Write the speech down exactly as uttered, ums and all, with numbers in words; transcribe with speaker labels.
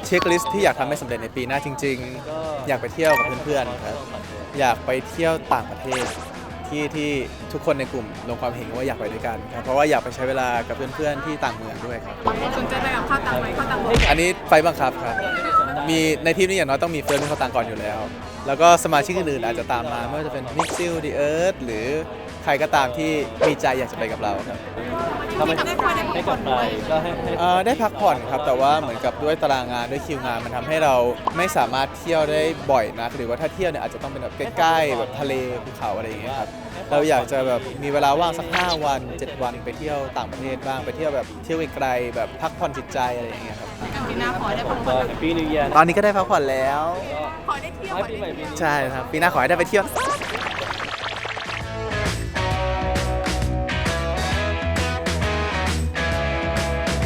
Speaker 1: เช็คลิสต์ที่อยากทำให้สำเร็จในปีหน้าจริงๆอยากไปเที่ยวกับเพื่อนๆครับอยากไปเที่ยวต่างประเทศที่ที่ทุกคนในกลุ่มลงความเห็นว่าอยากไปด้วยกันครับเพราะว่าอยากไปใช้เวลากับเพื่อนๆที่ต่างเมืองด้วยครับ
Speaker 2: สนใจไปกับข้าวตังไหมข้าวตังบอก
Speaker 1: อันนี้ไฟบังคับครับมีในทีมนี้อย่างน้อยต้องมีเฟิร์นเป็นเขาต่างก่อนอยู่แล้ว แล้วก็สมาชิกอื่นๆอาจจะตามมาไม่ว่าจะเป็นมิกซิลดีเอิร์ธหรือใครก็ตามที่มีใจอยากจะไปกับเราครับ
Speaker 3: ถ้าไม่ให้กลับไปก็ให้ให้
Speaker 1: เอ่อได้พักผ่อนครับแต่ว่าเหมือนกับด้วยตารางงานด้วยคิวงานมันทำให้เราไม่สามารถเที่ยวได้บ่อยนักหรือว่าถ้าเที่ยวเนี่ยอาจจะต้องเป็นแบบใกล้ๆแบบทะเลภูเขาอะไรอย่างเงี้ยครับเราอยากจะแบบมีเวลาว่างสักห้าวันเจ็ดวันไปเที่ยวต่างประเทศบ้างไปเที่ยวแบบเที่ยวไกลๆแบบพักผ่อนจิตใจอะไรอย่างเงี้ยครับ
Speaker 2: ปีหน้าขอได้
Speaker 3: ผ
Speaker 2: พัก
Speaker 3: ม
Speaker 2: ผ่
Speaker 3: ก็
Speaker 2: อน
Speaker 3: แฮปปี้นิวเยียร์
Speaker 1: ตอนนี้ก็ได้พักผ่อนแล้ว
Speaker 2: ขอได้เที่ยว
Speaker 3: ให้ปีใหม่ปีนี้
Speaker 1: ใช่ครับปีหน้าขอให้ได้ไปเที่ยวสัก